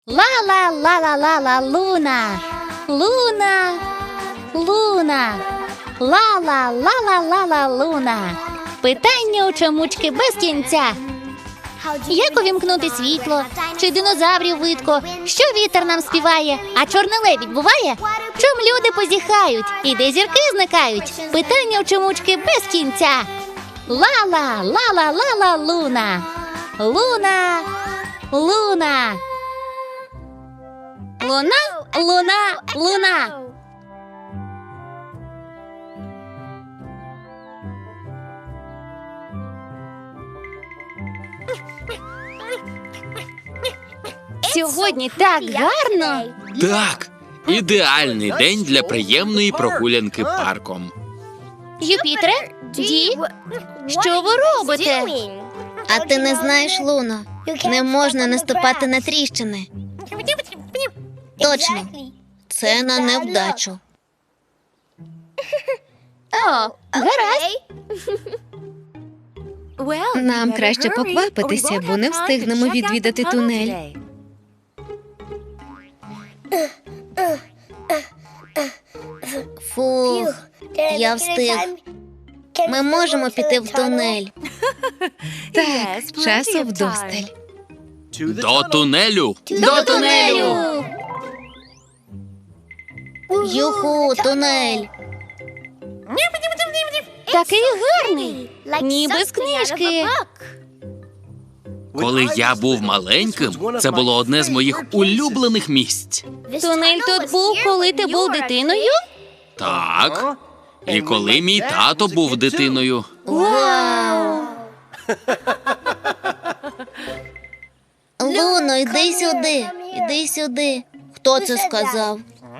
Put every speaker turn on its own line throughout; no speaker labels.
Ла-ла-ла-ла-ла-ла, луна, луна, луна, ла-ла-ла-ла-ла-ла, луна. Питання у чомучки без кінця. Як увімкнути світло? Чи динозаврів видко? Що вітер нам співає? А чорний лебідь буває? Чом люди позіхають? І де зірки зникають? Питання у чомучки без кінця. Ла-ла, ла-ла-ла-ла, луна, луна, луна. Луна, луна, луна. Сьогодні так гарно.
Так, ідеальний день для приємної прогулянки парком.
Юпітере, Ді, що ви робите?
А ти не знаєш, Луно, не можна наступати на тріщини. Точно, це на невдачу.
О, гаразд.
Нам краще поквапитися, бо не встигнемо відвідати тунель. Фух, я встиг. Ми можемо піти в тунель. Так, часу вдосталь.
До тунелю!
До тунелю!
Юху, тунель.
Такий гарний, ніби з книжки.
Коли я був маленьким, це було одне з моїх улюблених місць.
Тунель тут був, коли ти був дитиною?
Так. І коли мій тато був дитиною.
Вау! Луно, йди сюди, іди сюди. Хто це сказав?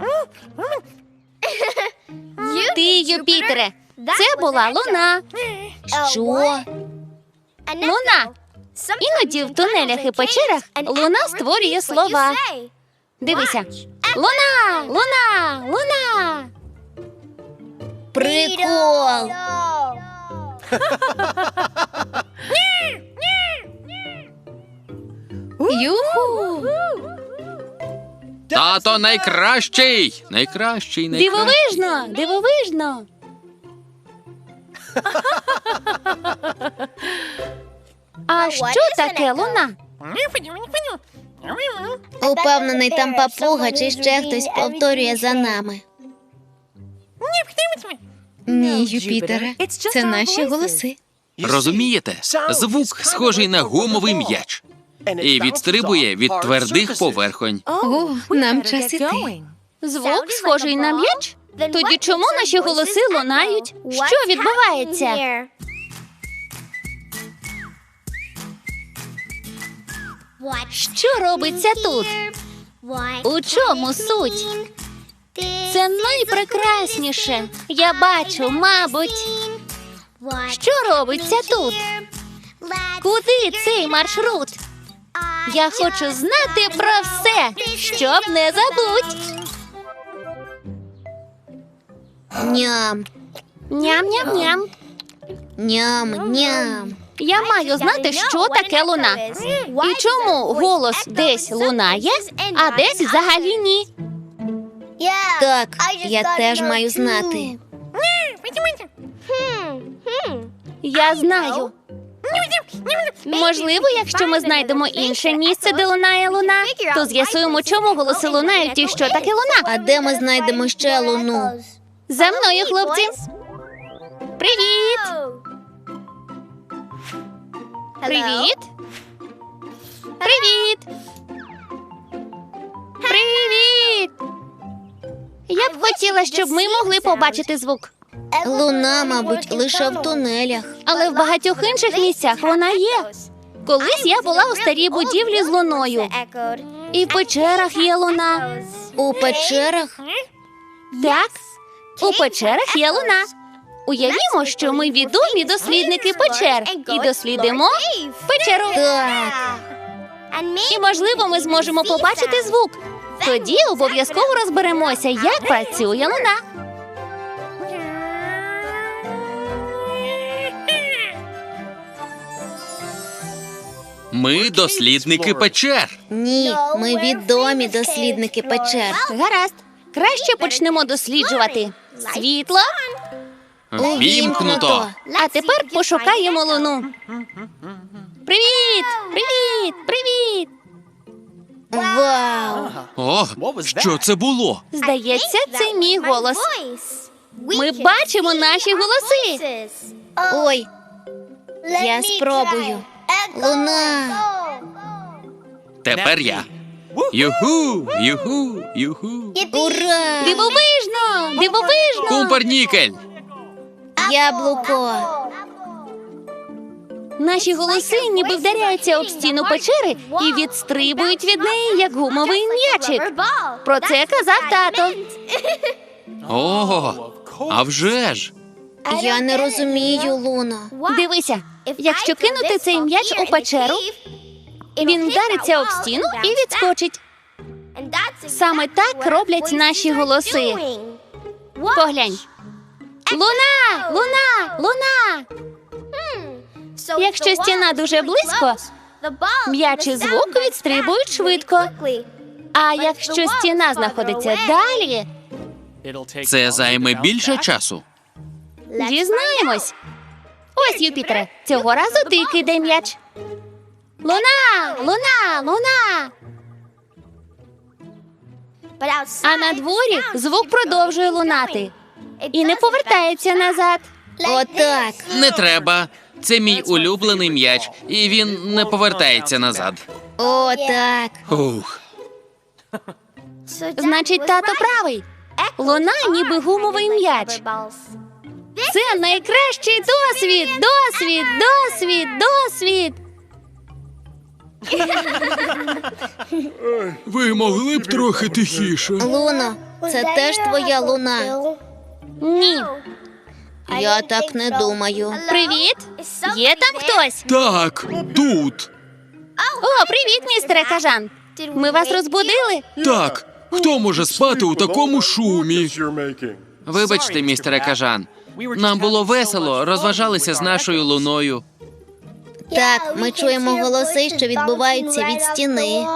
Ти, Юпітере, це була луна.
Що?
Луна. Іноді в тунелях і печерах луна створює слова. Дивися. Луна, луна, луна.
Прикол!
Юху.
Тато найкращий! Найкращий, найкращий.
Дивовижно, дивовижно. А що таке луна?
Упевнений, там папуга чи ще хтось повторює за нами. Ні, Юпітере, це наші голоси.
Розумієте? Звук схожий на гумовий м'яч. І відстрибує від твердих поверхонь.
О, нам час іти.
Звук схожий на м'яч? Тоді чому наші голоси лунають? Що відбувається? Що робиться тут? У чому суть? Це найпрекрасніше. Я бачу, мабуть. Що робиться тут? Куди цей маршрут? Я хочу знати про все, щоб не забудь.
Ням,
Ням-ням-ням.
ням.
Я маю знати, що таке луна. І чому голос десь лунає, а десь взагалі ні.
Так, я теж маю знати.
Я знаю. Можливо, якщо ми знайдемо інше місце, де лунає луна, то з'ясуємо, чому голоси лунають і що таке луна.
А де ми знайдемо ще луну?
За мною, хлопці. Привіт! Привіт! Привіт! Привіт! Я б хотіла, щоб ми могли побачити звук.
Луна, мабуть, лише в тунелях.
Але в багатьох інших місцях вона є. Колись я була у старій будівлі з луною. І в печерах є луна.
У печерах?
Так, у печерах є луна. Уявімо, що ми відомі дослідники печер і дослідимо печеру.
Так.
І, можливо, ми зможемо побачити звук. Тоді обов'язково розберемося, як працює луна.
Ми дослідники печер.
Ні, ми відомі дослідники печер.
Гаразд. Краще почнемо досліджувати. Світло.
Вімкнуто.
А тепер пошукаємо луну. Привіт! Привіт! Привіт!
Вау!
О, що це було?
Здається, це мій голос. Ми бачимо наші голоси.
Ой, я спробую. Луна!
Тепер я. Юху, юху, юху.
Ура!
Дивовижно! Дивовижно!
Кумпернікель.
Яблуко!
Наші голоси ніби вдаряються об стіну печери і відстрибують від неї, як гумовий м'ячик. Про це казав тато.
О, а вже ж.
Я не розумію, Луно.
Дивися, якщо кинути цей м'яч у печеру, він вдариться об стіну і відскочить. Саме так роблять наші голоси. Поглянь. Луна! Луна! Луна! Якщо стіна дуже близько, м'яч і звук відстрибують швидко. А якщо стіна знаходиться далі,
Це займе більше часу.
дізнаємось. Ось, Юпітере, цього разу ти кидай м'яч. Луна! Луна! Луна! А на дворі звук продовжує лунати і не повертається назад.
Отак.
Не треба. Це мій улюблений м'яч, і він не повертається назад.
Отак.
Ух.
Значить, тато правий. Луна ніби гумовий м'яч. Це найкращий досвід! Досвід! Досвід! Досвід!
Ви могли б трохи тихіше?
Луно, це теж твоя луна.
Ні.
Я так не думаю.
Привіт! Є там хтось?
Так, тут.
О, привіт, містере Кажан. Ми вас розбудили?
Так. Хто може спати у такому шумі? Вибачте, містере Кажан. Нам було весело, розважалися з нашою луною.
Так, ми чуємо голоси, що відбуваються від стіни.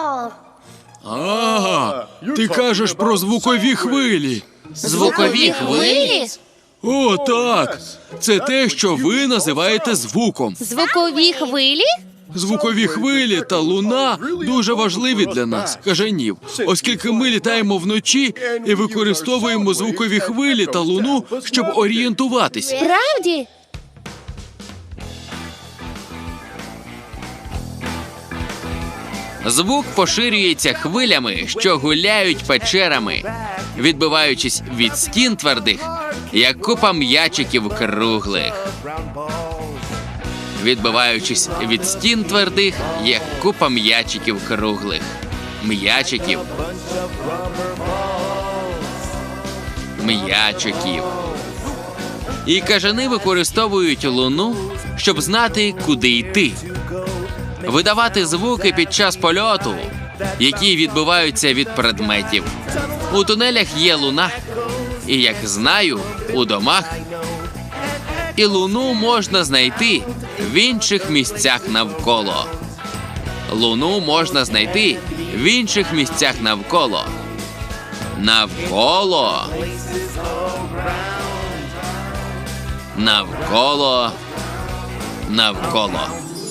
А, ти кажеш про звукові хвилі.
Звукові хвилі?
О, так. Це те, що ви називаєте звуком.
Звукові хвилі?
Звукові хвилі та луна дуже важливі для нас, кажанів, оскільки ми літаємо вночі і використовуємо звукові хвилі та луну, щоб орієнтуватись.
Правді?
Звук поширюється хвилями, що гуляють печерами, відбиваючись від стін твердих, як купа м'ячиків круглих. Відбиваючись від стін твердих, як купа м'ячиків круглих. М'ячиків. М'ячиків. І кажани використовують луну, щоб знати, куди йти. Видавати звуки під час польоту, які відбиваються від предметів. У тунелях є луна, і, як знаю, у домах. І луну можна знайти в інших місцях навколо. Луну можна знайти в інших місцях навколо. Навколо. Навколо. Навколо.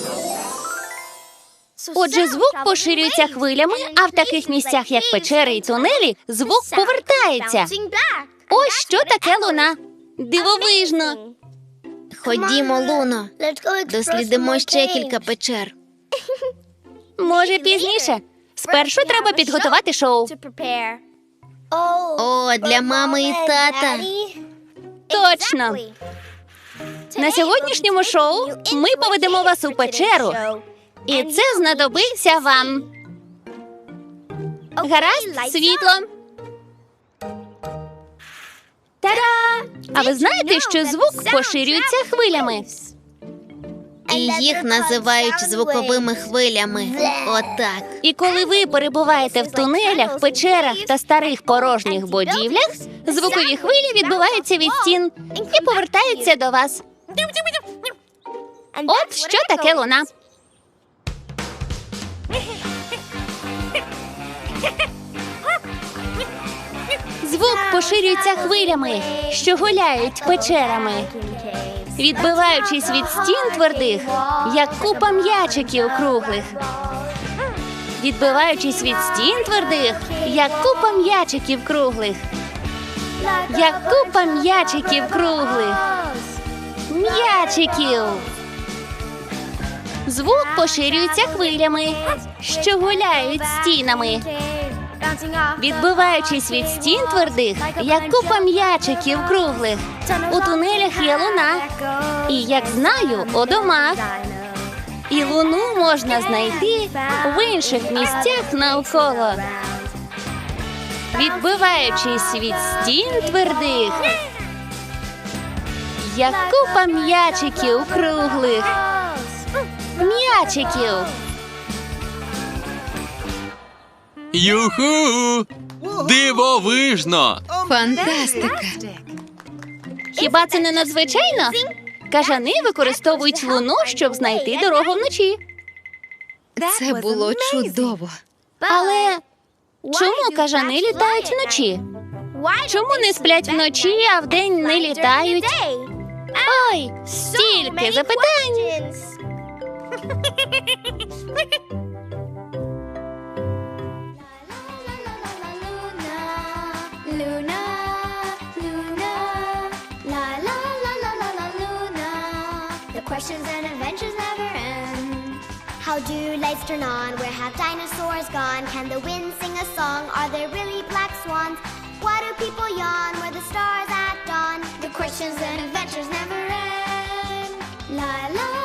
Отже, звук поширюється хвилями, а в таких місцях, як печери і тунелі, звук повертається. Ось що таке луна. Дивовижно.
Ходімо, Луно. Дослідимо ще кілька печер.
Може, пізніше. Спершу треба підготувати шоу.
О, для мами і тата.
Точно. На сьогоднішньому шоу ми поведемо вас у печеру. І це знадобиться вам. Гаразд, світло. Та-да! А ви знаєте, що звук поширюється хвилями?
І їх називають звуковими хвилями. Отак.
І коли ви перебуваєте в тунелях, печерах та старих порожніх будівлях, звукові хвилі відбиваються від стін і повертаються до вас. От що таке луна. Звук поширюється хвилями, що гуляють печерами, відбиваючись від стін твердих, як купа м'ячиків круглих. Відбиваючись від стін твердих, як купа м'ячиків круглих. Як купа м'ячиків круглих. М'ячиків. Звук поширюється хвилями, що гуляють стінами, відбиваючись від стін твердих, як купа м'ячиків круглих. У тунелях є луна, і, як знаю, у домах. І луну можна знайти в інших місцях навколо, відбиваючись від стін твердих, як купа м'ячиків круглих. М'ячиків.
Юху! Дивовижно!
Фантастика!
Хіба це не надзвичайно? Кажани використовують луну, щоб знайти дорогу вночі.
Це було чудово.
Але чому кажани літають вночі? Чому не сплять вночі, а вдень не літають? Ой, стільки запитань!
Luna, Luna, la la la la la la Luna. The questions and adventures never end. How do lights turn on? Where have dinosaurs gone? Can the wind sing a song? Are there really black swans? Why do people yawn? Where the stars at dawn? The questions and adventures never end. La la